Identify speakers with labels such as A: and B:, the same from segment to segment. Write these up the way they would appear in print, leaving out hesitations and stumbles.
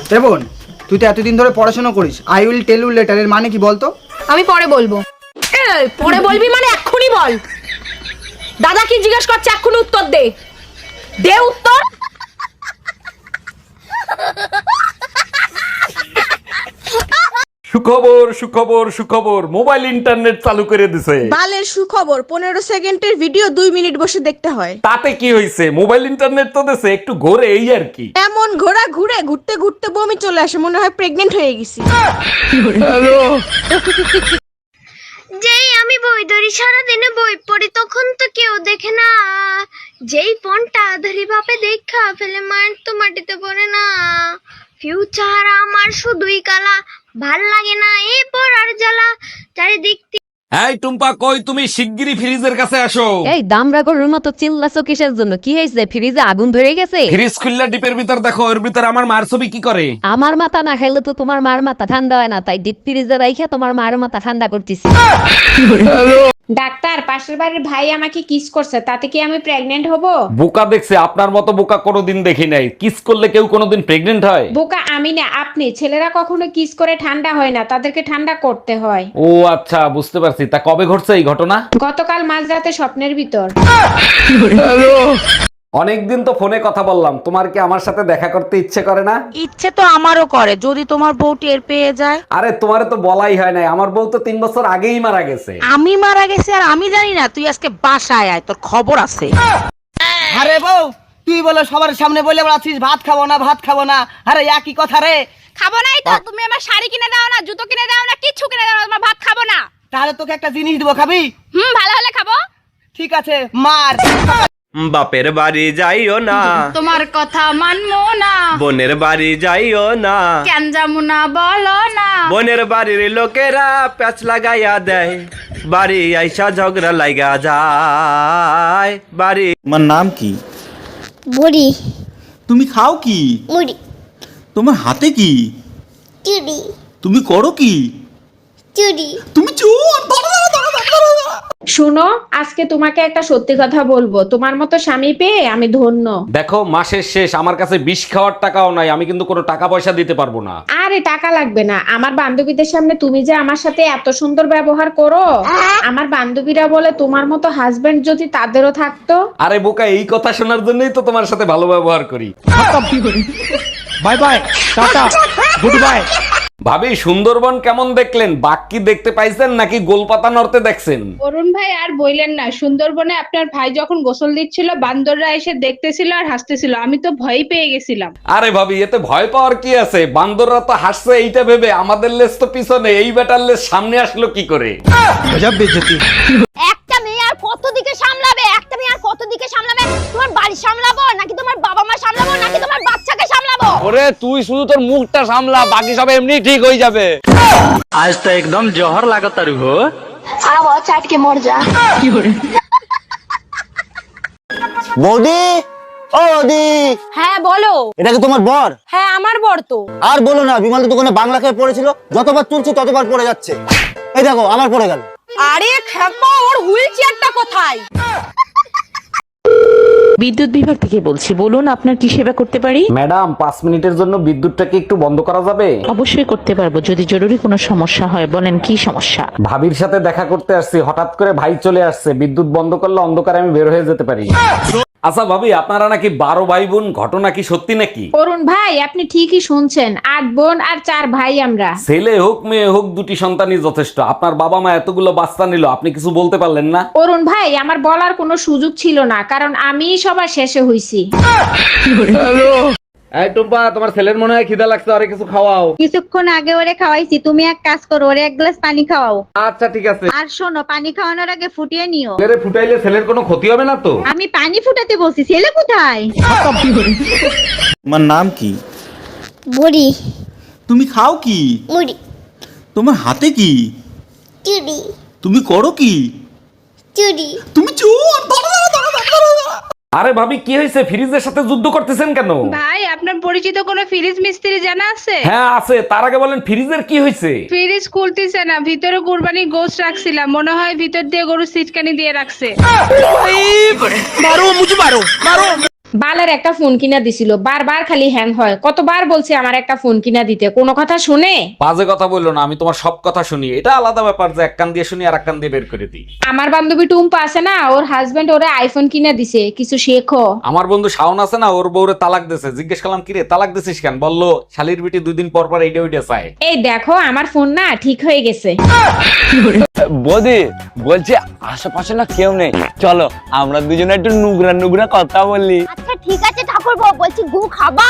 A: বোন, তুই তো এতদিন ধরে পড়াশোনা করিস, I will tell you letter এর মানে কি বলতো?
B: আমি পরে বলবো। পরে বলবি মানে এক্ষুনি বল। দাদা কি জিজ্ঞেস করছে এক্ষুনি উত্তর দে। দে উত্তর।
C: সুখবর সুখবর সুখবর, মোবাইল ইন্টারনেট চালু করে দিছে।
D: বালের সুখবর, 15 সেকেন্ডের ভিডিও 2 মিনিট বসে দেখতে হয়।
C: তাতে কি হয়েছে, মোবাইল ইন্টারনেট তো দিছে, একটু ঘোরে এই আর কি।
D: এমন ঘোরা ঘুরে ঘুরতে ঘুরতে বমি চলে আসে, মনে হয় প্রেগনেন্ট হয়ে গেছি।
E: যেই আমি বই ধরি সারাদিনে বই পড়ি তখন তো কেউ দেখে না, যেই ফোনটা ধরি বাপে দেখা ফেলে মায়ের তো মাটিতে পড়ে না। ফিউচার আমার শুধুই কালা, ভাল লাগে না এই পড়ার জ্বালা চারিদিক।
C: এই টুম্পা, কই তুমি? শিগগিরই ফ্রিজের কাছে আসো।
F: এই দামরা গরুর মতো চিল্লাছো কিসের জন্য? কি হয়েছে? ফ্রিজে আগুন ধরে গেছে?
C: ফ্রিজ খুললা ডিপের ভিতর দেখো, ওর ভিতর আমার মার ছবি কি করে।
F: আমার মাথা না খাইলে তো তোমার মার মাথা ঠান্ডা হয় না, তাই ডিপ ফ্রিজে রাইখা তোমার মার মাথা ঠান্ডা করতেছি।
G: ডাক্তার, পাশের বাড়ির ভাই আমাকে কিস করছে, তাতে কি আমি প্রেগনেন্ট হব?
C: বোকা দেখছে, আপনার মতো বোকা কোনোদিন দেখি নাই। কিস করলে কেউ কোনোদিন প্রেগনেন্ট হয়?
G: বোকা আমি না আপনি। ছেলেরা কখনো কিস করে ঠান্ডা হয় না, তাদেরকে ঠান্ডা করতে হয়।
C: ও আচ্ছা, বুঝতে পারছি। তা কবে ঘটছে এই ঘটনা?
G: গতকাল মাঝরাতে স্বপ্নের ভিতর।
C: অনেকদিন তো ফোনে কথা বললাম, তোমার কি আমার সাথে দেখা করতে ইচ্ছে করে না?
D: ইচ্ছে তো আমারও করে, যদি তোমার বউ টের পেয়ে যায়।
C: আরে তোমারে তো বলাই হয় নাই, আমার বউ তো 3 বছর আগেই মারা গেছে।
D: আমি মারা গেছি আর আমি জানি না? তুই আজকে বাসায় আয়, তোর খবর আছে।
A: আরে বউ, তুই বলে সবার সামনে বলে বেড়াচ্ছিস ভাত খাবো না ভাত খাবো না। আরে একই কথা রে।
B: খাবো নাই তো? তুমি আমার শাড়ি কিনে দাও না, জুতো কিনে দাও না, কিচ্ছু কিনে দাও না, তোমার ভাত খাবো না।
A: তাহলে তোকে একটা জিনিস দিব, খাবি?
B: ভালো হলে খাবো।
A: ঠিক আছে, মার।
H: বাপের বাড়ি যাইও না,
B: তোমার কথা মানবো না,
H: বোনের বাড়ি যাইও না,
B: কেন যাবো না বলো না।
H: বোনের বাড়ির লোকেরা প্যাচ লাগাইয়া দেয়, বাড়ি আইসা ঝগড়া লাগা যায় বাড়ি।
I: তোমার নাম কি?
E: বুড়ি
I: তুমি খাও কি?
E: মুড়ি
I: তোমার হাতে কি?
E: চুড়ি
I: তুমি করো কি?
E: চুড়ি।
I: তুমি চোর!
G: শোনো, আজকে তোমাকে একটা সত্যি কথা বলবো। তোমার মতো স্বামী পেয়ে আমি ধন্য।
C: দেখো, মাসের শেষ, আমার কাছে বিষ খাওয়ার টাকাও নাই, আমি কিন্তু কোনো টাকা পয়সা দিতে পারবো না।
G: আরে টাকা লাগবে না। আমার বান্ধবীদের সামনে তুমি যে আমার সাথে এত সুন্দর ব্যবহার করো, আমার বান্ধবীরা বলে তোমার মতো হাজবেন্ড যদি তাদেরও থাকতো।
C: আরে বোকা, এই কথা শোনার জন্যই তো তোমার সাথে ভালো ব্যবহার করি।
A: Bye bye, tata, good bye.
C: ভাবি, সুন্দরবন কেমন দেখলেন? বাঘ কি দেখতে পাইছেন নাকি গোলপাতা নড়তে দেখছেন?
G: অরুণ ভাই আর বইলেন না, সুন্দরবনে আপনার ভাই যখন গোসল দিচ্ছিল বান্দররা এসে দেখতেছিল আর হাসতেছিল, আমি তো ভয় পেয়ে গেছিলাম।
C: আরে ভাবি, এতে ভয় পাওয়ার কি আছে? বান্দররা তো হাসছে এইটা ভেবে, আমাদের লেজ তো পিছনে, এই বেটার লেজ সামনে আসলো কি করে?
B: একটা মেয়ে আর কত দিকে সামলাবে? একটা মেয়ে আর কত দিকে সামলাবে? তোমার বাড়ি সামলাবো নাকি তোমার বাবা মা সামলাবো নাকি তোমার বাচ্চাকে সামলাবো?
H: ওরে তুই শুধু তোর মুখটা সামলা, বাকি সব এমনি ঠিক হয়ে যাবে। আজ তো একদম জহর লাগাতারু হো।
E: আবো চাটকে মর যা।
I: বৌদি, ও বৌদি,
B: হ্যাঁ বলো।
I: এটা কি তোমার বর?
B: হ্যাঁ আমার বর তো।
I: আর বলো না, বিমল দোকানে বাংলা খেয়ে পড়েছিল, যতবার তুলছি ততবার পড়ে যাচ্ছে। এই দেখো, আমার পড়ে গেল।
B: আরে খেপা, ওর হুইল চেয়ারটা কোথায়?
J: বিদ্যুৎ বিভাগ থেকে বলছি, বলুন আপনার কি সেবা করতে পারি?
C: ম্যাডাম, 5 মিনিটের জন্য বিদ্যুৎটাকে একটু বন্ধ করা যাবে?
J: অবশ্যই করতে পারবো, যদি জরুরি কোনো সমস্যা হয়। বলেন কি সমস্যা?
C: ভাবির সাথে দেখা করতে আসছি, হঠাৎ করে ভাই চলে আসছে, বিদ্যুৎ বন্ধ করলে অন্ধকারে আমি বের হয়ে যেতে পারি। আচ্ছা ভাবি, আপনারা নাকি 12 ভাই বোন, ঘটনা কি সত্যি নাকি?
G: অরুণ ভাই, আপনি ঠিকই শুনছেন। 8 বোন আর 4 ভাই আমরা।
C: ছেলে হোক মেয়ে হোক, 2টি সন্তানই যথেষ্ট। আপনার বাবা মা এতগুলো বাচ্চা নিল, আপনি কিছু বলতে পারলেন না?
G: অরুণ ভাই, আমার বলার কোনো সুযোগ ছিল না, কারণ আমিই সবার শেষে হইছি।
C: এই টুম্পা, তোমার ছেলের মনে হয় খিদা লাগছে, আরে কিছু খাওয়াও।
D: কিছুক্ষণ আগে ওরে খাওয়াইছি, তুমি এক কাজ করো, ওরে 1 গ্লাস পানি খাওয়াও।
C: আচ্ছা ঠিক আছে।
D: আর শোনো, পানি খাওয়ানোর আগে ফুটিয়ে নিও।
C: ছেলে ফুটাইলে ছেলের কোনো ক্ষতি হবে না তো?
D: আমি পানি ফুটাতে বলছি, ছেলে কোথায়?
I: তোমার নাম কি?
E: বুড়ি
I: তুমি খাও কি?
E: মুড়ি
I: তোমার হাতে কি?
E: চুড়ি
I: তুমি করো কি?
E: চুড়ি।
I: তুমি চোর!
C: আরে ভাবি, কি হয়েছে? ফ্রিজের সাথে যুদ্ধ করতেছেন কেন?
G: ভাই, আপনার পরিচিত কোনো ফ্রিজ মিস্ত্রি জানা আছে?
C: হ্যাঁ আছে, তার আগে বলেন ফ্রিজের কি হয়েছে?
G: ফ্রিজ খুলতেছে না, ভিতরে কুরবানি গোশত রাখছিলাম, মনে হয় ভিতর দিয়ে গরু সিটকানি দিয়ে রাখছে। বালের একটা ফোন কিনা দিছিল, বারবার খালি হ্যাং হয়। কতবার বলছি আমার একটা ফোন কিনা দিতে, কোনো কথা শুনে?
C: বাজে কথা বললো না, আমি তোমার সব কথা শুনি। এটা আলাদা ব্যাপার যে এক কান দিয়ে শুনি আর এক কান দিয়ে বের করে দিই।
G: আমার বান্ধবী টুম্পা আছে না, ওর হাজবেন্ড ওরে আইফোন কিনা দিছে, কিছু শেখো।
C: আমার বন্ধু শাওন আছে না, ওর বউরে তালাক দিয়েছে। জিজ্ঞেস করলাম কিরে তালাক দিছিস কেন, বললো শালির বিটি 2 দিন পর পর এইটা ওইটা চায়।
G: এই দেখো আমার ফোন না ঠিক হয়ে গেছে।
H: বৌদি বলছি আশেপাশে না কেউ নেই, চলো আমরা দুজনে একটু নুগরা নুগরা কথা বললি।
E: আচ্ছা ঠিক আছে ঠাকুরপো, বলছি গু খাবা?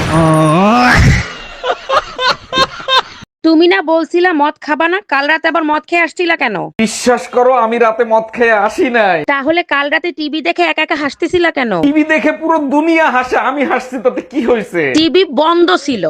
D: তুমি না বলছিলা মদ খাবা না, কাল রাতে আবার মদ খেয়ে আসছিলা কেন?
C: বিশ্বাস করো আমি রাতে মদ খেয়ে আসি নাই।
D: তাহলে কাল রাতে টিভি দেখে একা একা হাসতেছিলা কেন?
C: টিভি দেখে পুরো দুনিয়া হাসে, আমি হাসছি তাতে কি হয়েছে?
D: টিভি বন্ধ ছিল।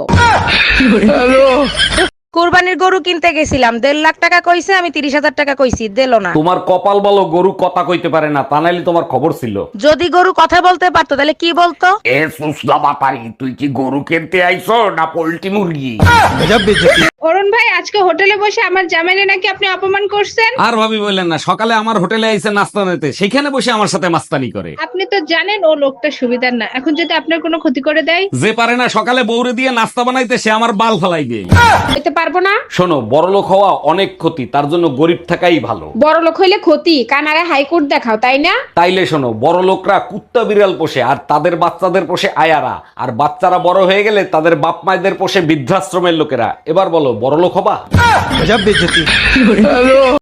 D: কুরবানির গরু কিনতে গেছিলাম, 1.5 লাখ টাকা কইছে, আমি 30,000 টাকা কইছি, দিলো না।
C: তোমার কপাল বলো গরু কথা কইতে পারে না, তা নাইলে তোমার খবর ছিল।
D: যদি গরু কথা বলতে পারতো তাহলে কি বলতো?
C: এ সুসলা বাপারি, তুই কি গরু কিনতে আইছো না পোল্ট্রি মুরগি?
G: অরুণ ভাই, আজকে হোটেলে বসে আমার জামাইনে নাকি আপনি অপমান করছেন।
C: আর ভাবি বললেন না, সকালে আমার হোটেলে আইছে নাস্তা নিতে, সেখানে বসে আমার সাথে মাস্তানি করে।
G: আপনি তো জানেন ও লোকটা সুবিধার না, এখন যদি আপনার কোনো ক্ষতি করে দেয়?
C: যে পারে না সকালে বউরে দিয়ে নাস্তা বানাইতে, সে আমার বাল ফালাইবে।
G: হইতে পারবো না।
C: শোনো, বড়লোক হওয়া অনেক ক্ষতি, তার জন্য গরিব থাকাই ভালো।
G: বড় লোক হইলে ক্ষতি, কানারে হাইকোর্ট দেখাও, তাই না?
C: তাইলে শোনো, বড় লোকরা কুত্তা বিড়াল পোষে আর তাদের বাচ্চাদের পোষে আয়ারা, আর বাচ্চারা বড় হয়ে গেলে তাদের বাপ মায়েদের পোষে বৃদ্ধাশ্রমের লোকেরা। এবার বলো, বড় লোক হবা?